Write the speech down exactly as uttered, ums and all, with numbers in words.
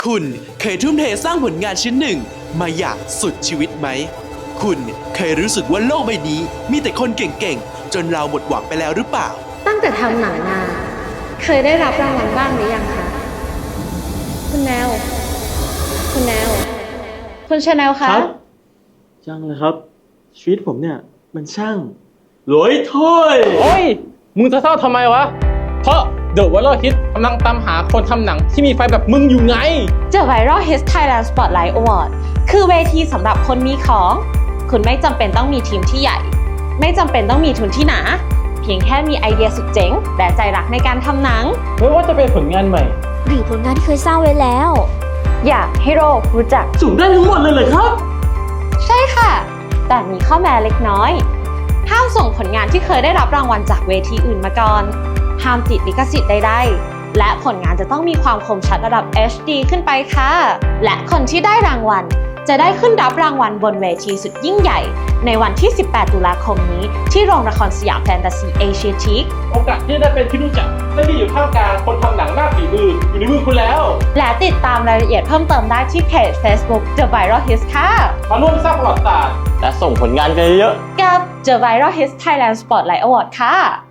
คุณเคยทุ่มเทสร้างผลงานชิ้นหนึ่งมาอย่างสุดชีวิตไหมคุณเคยรู้สึกว่าโลกใบนี้มีแต่คนเก่งๆจนเราหมดหวังไปแล้วหรือเปล่าตั้งแต่ทำหนังมาเคยได้รับรางวัลบ้างหรือยังคะคุณแนวคุณแนวคุณชาแนลคะครับยังเลยครับชีวิตผมเนี่ยมันช่างรวยถ้วยโอ้ยมึงจะเศร้าทำไมวะเพราะ The Viral Hit กำลังตามหาคนทำหนังที่มีไฟแบบมึงอยู่ไง The Viral Hits Thailand Spotlight Award คือเวทีสำหรับคนมีของ คุณไม่จำเป็นต้องมีทีมที่ใหญ่ ไม่จำเป็นต้องมีทุนที่หนา เพียงแค่มีไอเดียสุดเจ๋งและใจรักในการทำหนังไม่ว่าจะเป็นผลงานใหม่หรือผลงานที่เคยสร้างไว้แล้วอยากให้โลกรู้จักสูงได้ทั้งหมดเลยเหรอครับใช่ค่ะ แต่มีข้อแม้เล็กน้อย ห้ามส่งผลงานที่เคยได้รับรางวัลจากเวทีอื่นมาก่อน ห้ามติดลิขสิทธิ์ใดๆ และผลงานจะต้องมีความคมชัดระดับ เอช ดี ขึ้นไปค่ะ และคนที่ได้รางวัลจะได้ขึ้นรับรางวัลบนเวทีสุดยิ่งใหญ่ ในวันที่ สิบแปด ตุลาคมนี้ที่โรงละครสยามแฟนตาซีเอเชียทีคโอกาสที่ได้เป็นที่รู้จักและที่อยู่ท่ามกลางคนทำหนังมากฝีมืออยู่ในมือคุณแล้วและติดตามรายละเอียดเพิ่มเติมได้ที่เพจ Facebook The Viral Hits ค่ะมาร่วมสร้างประวัติศาสตร์และส่งผลงานกันเยอะกับ The Viral Hits Thailand Spotlight Award ค่ะ